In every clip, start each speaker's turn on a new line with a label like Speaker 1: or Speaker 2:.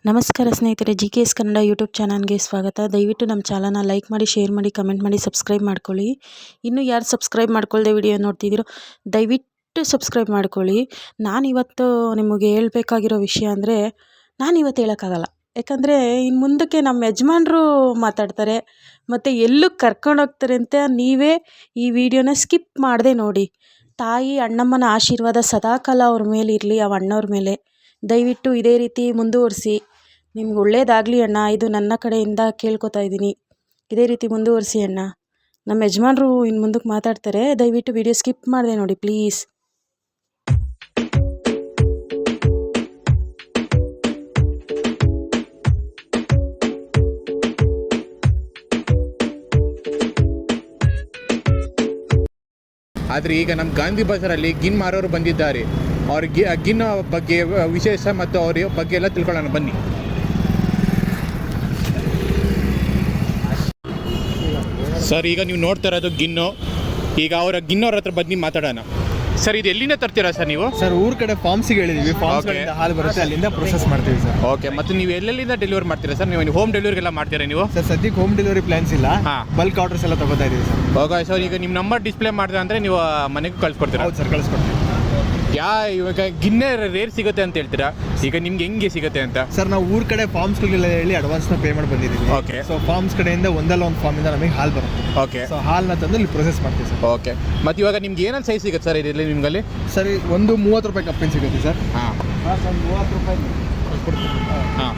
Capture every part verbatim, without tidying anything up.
Speaker 1: ನಮಸ್ಕಾರ ಸ್ನೇಹಿತರೆ, G K S Kannada YouTube ಚಾನಲ್ಗೆ ಸ್ವಾಗತ. ದಯವಿಟ್ಟು ನಮ್ಮ ಚಾನಲ್ನ ಲೈಕ್ ಮಾಡಿ, ಶೇರ್ ಮಾಡಿ, ಕಮೆಂಟ್ ಮಾಡಿ, ಸಬ್ಸ್ಕ್ರೈಬ್ ಮಾಡ್ಕೊಳ್ಳಿ. ಇನ್ನೂ ಯಾರು ಸಬ್ಸ್ಕ್ರೈಬ್ ಮಾಡ್ಕೊಳ್ಳದೆ ವಿಡಿಯೋ ನೋಡ್ತಿದ್ದೀರೋ ದಯವಿಟ್ಟು ಸಬ್ಸ್ಕ್ರೈಬ್ ಮಾಡ್ಕೊಳ್ಳಿ. ನಾನಿವತ್ತು ನಿಮಗೆ ಹೇಳಬೇಕಾಗಿರೋ ವಿಷಯ ಅಂದರೆ ನಾನಿವತ್ತು ಹೇಳೋಕ್ಕಾಗಲ್ಲ. ಯಾಕಂದರೆ ಇನ್ನು ಮುಂದಕ್ಕೆ ನಮ್ಮ ಯಜಮಾನರು ಮಾತಾಡ್ತಾರೆ ಮತ್ತು ಎಲ್ಲಕ್ಕೆ ಕರ್ಕೊಂಡೋಗ್ತಾರೆ ಅಂತ ನೀವೇ ಈ ವಿಡಿಯೋನ ಸ್ಕಿಪ್ ಮಾಡದೆ ನೋಡಿ. ತಾಯಿ ಅಣ್ಣಮ್ಮನ ಆಶೀರ್ವಾದ ಸದಾಕಾಲ ಅವ್ರ ಮೇಲೆ ಇರಲಿ, ಆ ಅಣ್ಣವ್ರ ಮೇಲೆ. ದಯವಿಟ್ಟು ಇದೇ ರೀತಿ ಮುಂದುವರಿಸಿ. ನಿಮ್ಗೆ ಒಳ್ಳೇದಾಗಲಿ ಅಣ್ಣ, ಇದು ನನ್ನ ಕಡೆಯಿಂದ ಕೇಳ್ಕೊತಾ ಇದ್ದೀನಿ. ಇದೇ ರೀತಿ ಮುಂದುವರಿಸಿ ಅಣ್ಣ. ನಮ್ಮ ಯಜಮಾನರು ಇನ್ನು ಮುಂದಕ್ಕೆ ಮಾತಾಡ್ತಾರೆ, ದಯವಿಟ್ಟು ವಿಡಿಯೋ ಸ್ಕಿಪ್ ಮಾಡದೆ ನೋಡಿ ಪ್ಲೀಸ್.
Speaker 2: ಆದರೆ ಈಗ ನಮ್ಮ ಗಾಂಧಿ ಬಜಾರಲ್ಲಿ ಗಿನ್ ಮಾರೋರು ಬಂದಿದ್ದಾರೆ. ಅವ್ರಿಗೆ ಗಿನ್ನ ಬಗ್ಗೆ ವಿಶೇಷ ಮತ್ತು ಅವ್ರ ಬಗ್ಗೆ ಎಲ್ಲ ತಿಳ್ಕೊಳ್ಳೋಣ ಬನ್ನಿ. ಸರ್, ಈಗ ನೀವು ನೋಡ್ತಾ ಇರೋದು ಗಿನ್ನು. ಈಗ ಅವರ ಗಿನ್ನವ್ರ ಹತ್ರ ಬನ್ನಿ ಮಾತಾಡೋಣ. ಸರ್, ಇದು ಎಲ್ಲಿಂದ ತರ್ತೀರಾ ಸರ್ ನೀವು?
Speaker 3: ಸರ್, ಊರ ಕಡೆ ಫಾರ್ಮ್ಸಿಗೆ ಹೇಳಿದೀವಿ. ಫಾರ್ಮ್ಸ್ಗಳಿಂದ ಹಾಲು ಬರುತ್ತೆ, ಅಲ್ಲಿಂದ ಪ್ರೊಸೆಸ್ ಮಾಡ್ತೀವಿ ಸರ್.
Speaker 2: ಓಕೆ, ಮತ್ತು ನೀವು ಎಲ್ಲೆಲ್ಲಿಂದ ಡೆಲಿವರಿ ಮಾಡ್ತೀರಾ ಸರ್? ನೀವು ಹೋಮ್ ಡೆಲಿವರಿಗೆಲ್ಲ ಮಾಡ್ತೀರಾ ನೀವು?
Speaker 3: ಸರ್, ಸದ್ಯಕ್ಕೆ ಹೋಮ್ ಡೆಲಿವರಿ ಪ್ಲಾನ್ಸ್ ಇಲ್ಲ.
Speaker 2: ಹಾಂ,
Speaker 3: ಬಲ್ಕ್ ಆರ್ಡರ್ಸ್ ಎಲ್ಲ ತಗೋತಾ ಇದೀವಿ ಸರ್.
Speaker 2: ಓಕೆ ಸರ್, ಈಗ ನಿಮ್ಮ ನಂಬರ್ ಡಿಸ್ಪ್ಲೇ ಮಾಡಿದ್ರೆ ಅಂದರೆ ನೀವು ಮನೆಗೂ ಕಳ್ಸಿಕೊಡ್ತೀರಾ?
Speaker 3: ಹೌದು ಸರ್, ಕಳಿಸ್ಕೊಡ್ತೀವಿ.
Speaker 2: ಯಾ ಇವಾಗ ಗಿನ್ನೆ ರೇರ್ ಸಿಗುತ್ತೆ ಅಂತ ಹೇಳ್ತೀರಾ, ಈಗ ನಿಮ್ಗೆ ಹೆಂಗೆ ಸಿಗುತ್ತೆ ಅಂತ?
Speaker 3: ಸರ್, ನಾವು ಊರ ಕಡೆ ಫಾರ್ಮ್ಸ್ಗಳಿಗೆಲ್ಲ ಹೇಳಿ ಅಡ್ವಾನ್ಸ್ನ ಪೇ ಮಾಡಿ ಬಂದಿದ್ದೀವಿ.
Speaker 2: ಓಕೆ.
Speaker 3: ಸೊ ಫಾರ್ಮ್ಸ್ ಕಡೆಯಿಂದ ಒಂದಲ್ಲ ಒಂದು ಫಾರ್ಮಿಂದ ನಮಗೆ ಹಾಲು ಬರುತ್ತೆ.
Speaker 2: ಓಕೆ.
Speaker 3: ಸೊ ಹಾಲನ್ನ ತಂದು ಇಲ್ಲಿ ಪ್ರೊಸೆಸ್ ಮಾಡ್ತೀವಿ ಸರ್.
Speaker 2: ಓಕೆ. ಮತ್ತು ಇವಾಗ ನಿಮ್ಗೆ ಏನೇನು ಸೈಜ್ ಸಿಗುತ್ತೆ ಸರ್ ಇದರಲ್ಲಿ ನಿಮಗಲ್ಲಿ?
Speaker 3: ಸರಿ, ಒಂದು ಮೂವತ್ತು ರೂಪಾಯಿ ಕಪ್ಪಿನ ಸಿಗುತ್ತೆ ಸರ್.
Speaker 2: ಹಾಂ
Speaker 3: ಹಾಂ ಸರ್, ಮೂವತ್ತು ರೂಪಾಯಿ ಕೊಡ್ತೀವಿ.
Speaker 2: ಹಾಂ,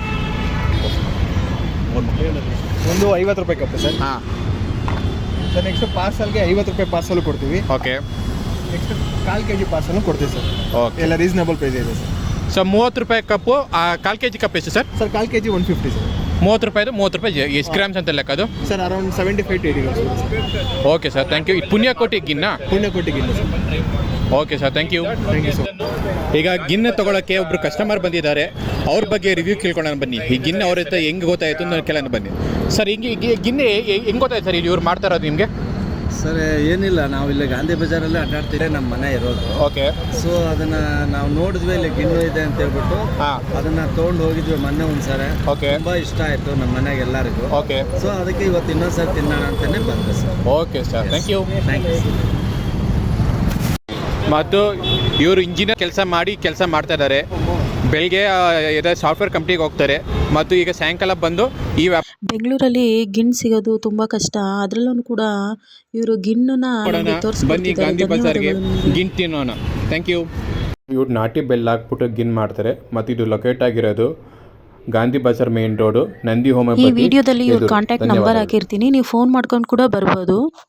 Speaker 3: ಒಂದು ಐವತ್ತು ರೂಪಾಯಿ ಕಪ್ಪು ಸರ್.
Speaker 2: ಹಾಂ
Speaker 3: ಸರ್, ನೆಕ್ಸ್ಟ್ ಪಾರ್ಸಲ್ಗೆ ಐವತ್ತು ರೂಪಾಯಿ ಪಾರ್ಸಲ್ ಕೊಡ್ತೀವಿ.
Speaker 2: ಓಕೆ.
Speaker 3: ನೆಕ್ಸ್ಟ್ ಕಾಲು ಕೆ ಜಿ ಪಾರ್ಸಲ್ ಕೊಡ್ತೀವಿ ಸರ್.
Speaker 2: ಓಕೆ.
Speaker 3: ಎಲ್ಲ ರೀಸನಬಲ್ ಪ್ರೈಸ್ ಇದೆ ಸರ್.
Speaker 2: ಸೊ ಮೂವತ್ತು ರೂಪಾಯಿ ಕಪ್ಪು, ಕಾಲು ಕೆ ಜಿ ಕಪ್ ಎಷ್ಟು ಸರ್?
Speaker 3: ಸರ್, ಕಾಲು K G one fifty sir.
Speaker 2: ಮೂವತ್ತು ರೂಪಾಯಿದು ಮೂವತ್ತು ರೂಪಾಯಿ ಎಷ್ಟು ಗ್ರಾಮ್ಸ್ ಅಂತ ಲೆಕ್ಕ ಅದು?
Speaker 3: Sir, around seventy five to eighty grams.
Speaker 2: Okay sir, thank you. ಇದು ಪುಣ್ಯಕೋಟಿ ಗಿನ್ನ?
Speaker 3: Punyakoti ಗಿನ್ನ sir.
Speaker 2: Okay sir, thank you.
Speaker 3: Thank you sir.
Speaker 2: ಈಗ ಗಿನ್ನ ತೊಗೊಳಕ್ಕೆ ಒಬ್ಬರು ಕಸ್ಟಮರ್ ಬಂದಿದ್ದಾರೆ. ಅವ್ರ ಬಗ್ಗೆ ರಿವ್ಯೂ ಕೇಳ್ಕೊಳ್ಳೋಣ ಬನ್ನಿ. ಈ ಗಿನ್ನ ಅವ್ರ ಹತ್ರ ಹೆಂಗೆ ಗೊತ್ತಾಯಿತು ಅಂತ ಕೇಳೋಣ ಬನ್ನಿ. ಸರ್, ಹಿಂಗೆ ಗಿನ್ನೆ ಹೆಂಗೆ ಗೊತ್ತಾಯ್ತು ಸರ್ ಇಲ್ಲಿ ಇವ್ರು ಮಾಡ್ತಾ ಇರೋದು ನಿಮಗೆ?
Speaker 4: ಸರ್, ಏನಿಲ್ಲ, ನಾವು ಇಲ್ಲಿ ಗಾಂಧಿ ಬಜಾರಲ್ಲಿ ಅಡ್ಡಾಡ್ತೀವಿ, ನಮ್ಮ ಮನೆ ಇರೋದು.
Speaker 2: ಓಕೆ.
Speaker 4: ಸೊ ಅದನ್ನು ನಾವು ನೋಡಿದ್ವಿ, ಇಲ್ಲಿ ಗಿಣ್ಣು ಇದೆ ಅಂತ ಹೇಳ್ಬಿಟ್ಟು
Speaker 2: ಹಾಂ
Speaker 4: ಅದನ್ನು ತೊಗೊಂಡು ಹೋಗಿದ್ವಿ ಮೊನ್ನೆ ಒಂದ್ಸರಿ.
Speaker 2: ಓಕೆ.
Speaker 4: ತುಂಬ ಇಷ್ಟ ಆಯಿತು ನಮ್ಮ ಮನೆಗೆ ಎಲ್ಲರಿಗೂ.
Speaker 2: ಓಕೆ.
Speaker 4: ಸೊ ಅದಕ್ಕೆ ಇವತ್ತು ಇನ್ನೊಂದು ಸರಿ ತಿನ್ನೋಣ ಅಂತಲೇ ಬಂದೆ sir.
Speaker 2: Okay sir, thank you.
Speaker 4: Thank you sir.
Speaker 2: ಮತ್ತು ಇವರು ಇಂಜಿನಿಯರ್ ಕೆಲಸ ಮಾಡಿ ಕೆಲಸ ಮಾಡ್ತಾ ಇದ್ದಾರೆ. ಬೆಳಗ್ಗೆ ಇದೆ ಸಾಫ್ಟ್ವೇರ್ ಕಂಪ್ನಿಗೆ ಹೋಗ್ತಾರೆ ಮತ್ತು ಈಗ ಸಾಯಂಕಾಲ ಬಂದು ಈ
Speaker 1: ಬೆಂಗಳೂರಲ್ಲಿ ಗಿಣ್ಣು ಸಿಗೋದು ತುಂಬ ಕಷ್ಟ. ಅದರಲ್ಲೂ ಕೂಡ ಇವರು ಗಿಣ್ಣನ್ನ
Speaker 2: ಬನ್ನಿ ಗಾಂಧಿ ಬಜಾರ್ಗೆ ಗಿಣ್ ತಿನ್ನೋಣ. Thank you. ಇವ್ರು ನಾಟಿ ಬೆಲ್ಲ ಹಾಕ್ಬಿಟ್ಟು ಗಿನ್ ಮಾಡ್ತಾರೆ ಮತ್ತು ಇದು ಲೊಕೇಟ್ ಆಗಿರೋದು ಗಾಂಧಿ ಬಜಾರ್ ಮೇನ್ ರೋಡು, ನಂದಿ ಹೋಮ.
Speaker 1: ಈ ವಿಡಿಯೋದಲ್ಲಿ ಇವ್ರ ಕಾಂಟ್ಯಾಕ್ಟ್ ನಂಬರ್ ಹಾಕಿರ್ತೀನಿ, ನೀವು ಫೋನ್ ಮಾಡ್ಕೊಂಡು ಕೂಡ ಬರ್ಬೋದು.